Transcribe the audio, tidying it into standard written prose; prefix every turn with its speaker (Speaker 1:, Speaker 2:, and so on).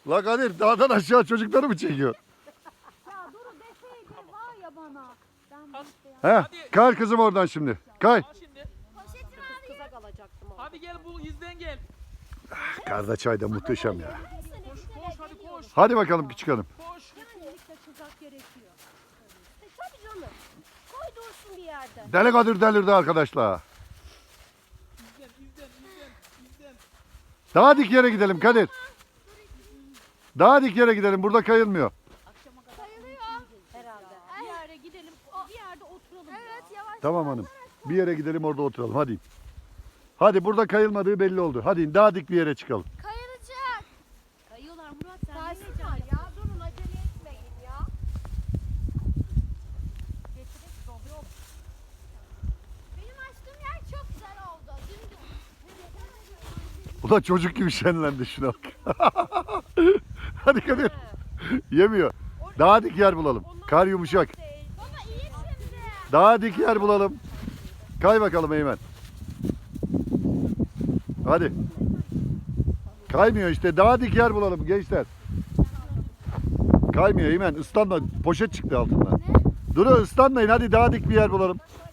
Speaker 1: La Kadir dağdan aşağı çocukları mı çekiyor?
Speaker 2: Ya Duru deseydi var ya bana. Ben
Speaker 1: He, kay kızım oradan şimdi. Kay.
Speaker 3: Al şimdi.
Speaker 4: Kıza kalacaktım o.
Speaker 3: Hadi gel bu izden gel.
Speaker 1: Karda çay da muhteşem ya.
Speaker 3: Koş koş hadi koş.
Speaker 1: Hadi bakalım küçük hanım.
Speaker 3: Koş.
Speaker 2: kesinlikle kızak gerekiyor.
Speaker 4: Tabii canım. Koy dursun bir yerde.
Speaker 1: Deli Kadir delirdi arkadaşlar.
Speaker 3: İzden.
Speaker 1: Daha dik yere gidelim Kadir. Daha dik yere gidelim. Burada kayılmıyor.
Speaker 4: Herhalde.
Speaker 2: Bir yere gidelim, bir yerde oturalım. Evet yavaş.
Speaker 1: Tamam hanım. Bir yere gidelim orada oturalım. Hadi. Hadi burada kayılmadığı belli oldu. Hadi daha dik bir yere çıkalım.
Speaker 2: Kayılacak. Kayıyorlar Murat sen
Speaker 4: Taşsın
Speaker 2: ne
Speaker 4: var ya. Durun acele etmeyin ya.
Speaker 2: Benim açtığım yer çok güzel oldu. Dümdüz.
Speaker 1: Ulan çocuk gibi şenlendi şuna bak. Hadi Kadir. Yemiyor. Daha dik yer bulalım. Kar yumuşak.
Speaker 2: Baba iyi şimdi.
Speaker 1: Daha dik yer bulalım. Kay bakalım Eymen. Hadi. Kaymıyor işte. Daha dik yer bulalım gençler. Kaymıyor Eymen. Islanma. Poşet çıktı altından. Dur ıslanmayın. Hadi daha dik bir yer bulalım.